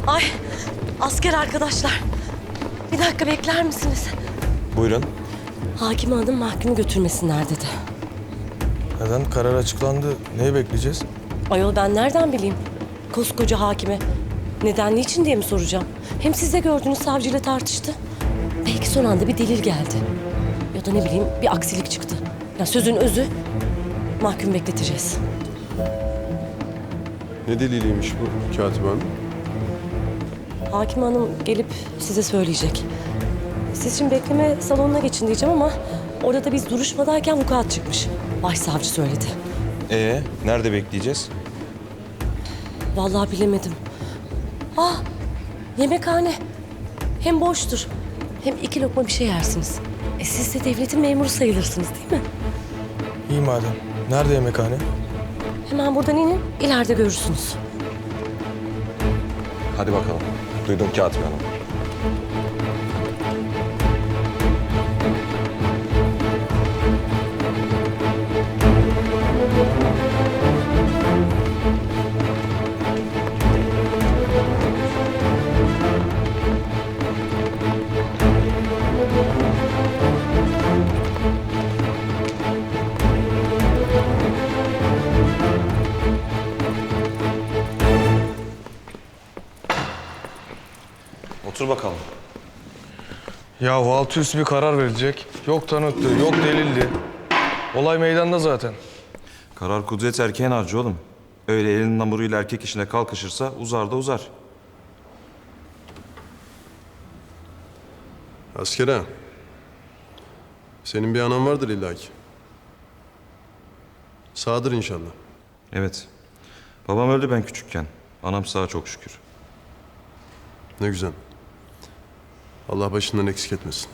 Ay, asker arkadaşlar. Bir dakika bekler misiniz? Buyurun. Hakim hanım mahkumu götürmesinler dedi. Neden? Karar açıklandı. Neyi bekleyeceğiz? Ayol ben nereden bileyim? Koskoca hakime. Neden, niçin diye mi soracağım? Hem siz de gördünüz, savcıyla tartıştı. Belki son anda bir delil geldi. Ya da ne bileyim bir aksilik çıktı. Ya sözün özü, mahkum bekleteceğiz. Ne deliliymiş bu Katip Hanım? Hakim hanım gelip size söyleyecek. Siz şimdi bekleme salonuna geçin diyeceğim ama orada da biz duruşmadayken vukuat çıkmış. Başsavcı söyledi. Nerede bekleyeceğiz? Vallahi bilemedim. Yemekhane. Hem boştur. Hem 2 lokma bir şey yersiniz. Siz de devletin memuru sayılırsınız değil mi? İyi madem. Nerede yemekhane? Hemen buradan inin, ileride görürsünüz. Hadi bakalım. Duydum Katip Hanım. Otur bakalım. Ya altı üstü bir karar verilecek. Yok tanıktı, yok delildi. Olay meydanda zaten. Karar kudret erkeğin harcı oğlum. Öyle elinin hamuruyla erkek işine kalkışırsa uzar da uzar. Asker ha. Senin bir anan vardır illaki. Sağdır inşallah. Evet. Babam öldü ben küçükken. Anam sağ çok şükür. Ne güzel. Allah başından eksik etmesin.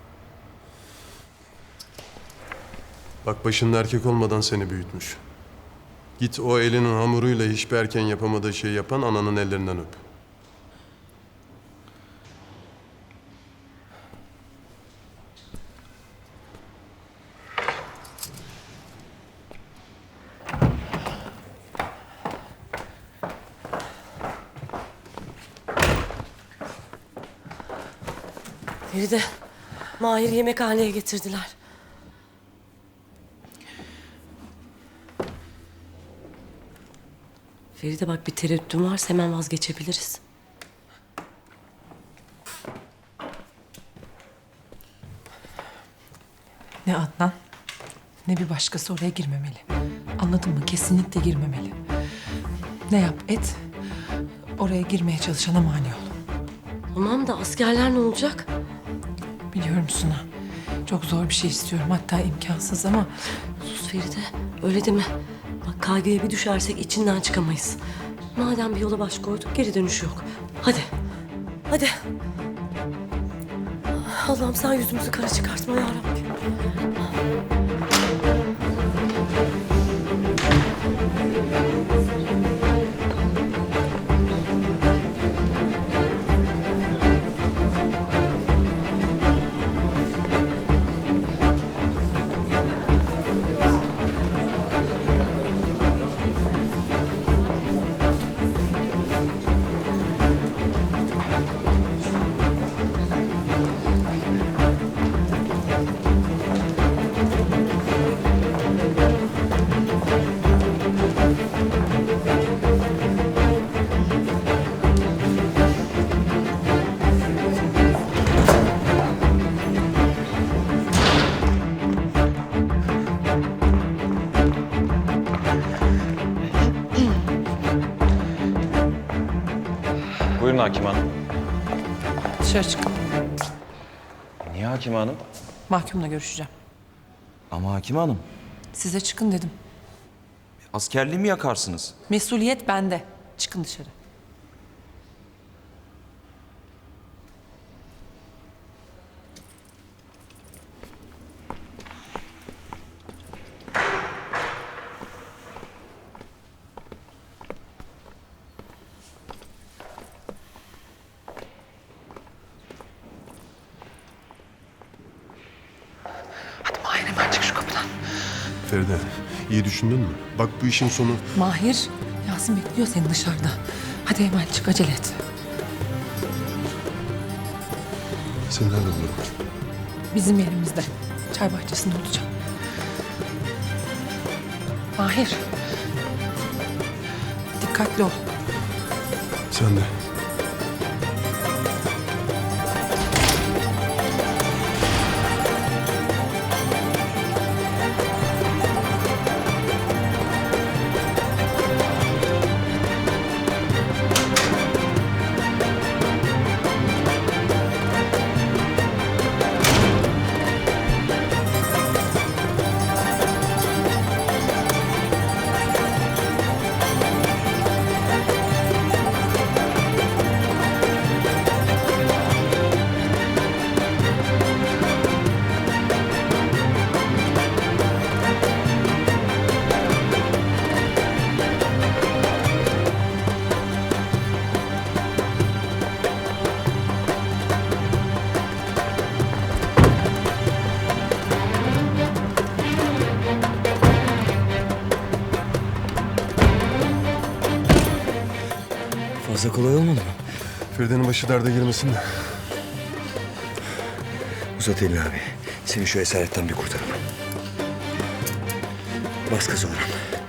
Bak başında erkek olmadan seni büyütmüş. Git o elinin hamuruyla hiçbir erkeğin yapamadığı şeyi yapan ananın ellerinden öp. Feride, Mahir yemekhaneye getirdiler. Feride bak bir tereddütün varsa hemen vazgeçebiliriz. Ne Adnan, ne bir başkası oraya girmemeli. Anladın mı? Kesinlikle girmemeli. Ne yap et, oraya girmeye çalışana mani ol. Tamam da askerler ne olacak? Biliyorum Suna, çok zor bir şey istiyorum. Hatta imkansız ama Sus Feride, öyle deme. Bak kaygıya bir düşersek içinden çıkamayız. Madem bir yola baş koyduk, geri dönüş yok. Hadi, hadi. Allah'ım sen yüzümüzü kara çıkartma ya Rabbi. Buyurun Hakim Hanım. dışarı çık. Niye Hakim Hanım? Mahkumla görüşeceğim. Ama Hakim Hanım, Size çıkın dedim. askerliği mi yakarsınız? Mesuliyet bende. Çıkın dışarı. Hadi Mahir hemen çık şu kapıdan. Feride, iyi düşündün mü? Bak bu işin sonu... Mahir, Yasin bekliyor seni dışarıda. Hadi hemen çık, acele et. Seni nerede bulurum? Bizim yerimizde. Çay bahçesinde olacağım. Mahir. Dikkatli ol. Sen de. Fazla kolay olmadı mı? Feride'nin başı derde girmesin de. Uzat elini abi. Seni şu esaretten bir kurtaralım. Bas gaza Orhan.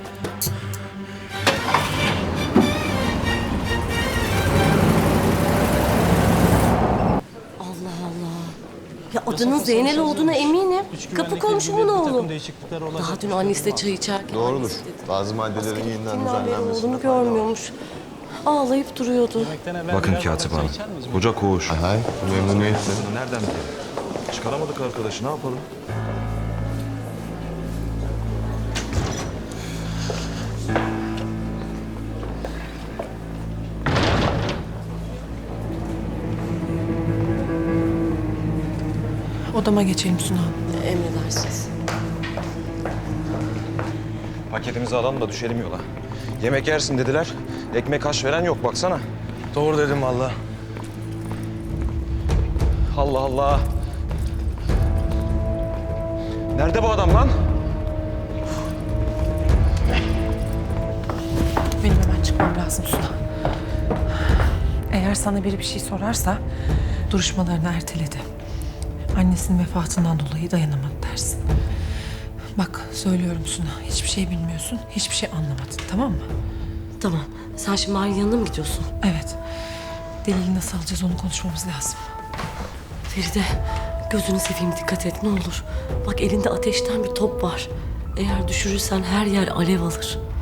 Allah Allah. Ya adının Zeynel olduğuna eminim. Kapı komşumun oğlu. Daha dün annesiyle çay içerken... Doğrudur. Bazı maddelerin yeniden Gittiğinden beri düzenlenmesi. oğlunu görmüyormuş. Ağlayıp duruyordu. Bakın Katip Hanım. Hoca koğuş. Hay, memnuniyetle. Bunu nereden bilelim? Çıkaramadık arkadaşı, ne yapalım? Odama geçelim Suna. Emredersiniz. Paketimizi alalım da düşelim yola. Yemek yersin dediler. Ekmek haş veren yok baksana. Doğru dedim valla. Allah Allah. Nerede bu adam lan? Benim hemen çıkmam lazım Suna. Eğer sana biri bir şey sorarsa duruşmalarını erteledi. Annesinin vefatından dolayı dayanamadı dersin. Bak söylüyorum Suna, hiçbir şey bilmiyorsun, hiçbir şey anlamadın, tamam mı? Tamam. Sen şimdi Mahir'in yanına mı gidiyorsun? Evet. Delili nasıl alacağız onu konuşmamız lazım. Feride, gözünü seveyim dikkat et ne olur. Bak elinde ateşten bir top var. Eğer düşürürsen her yer alev alır.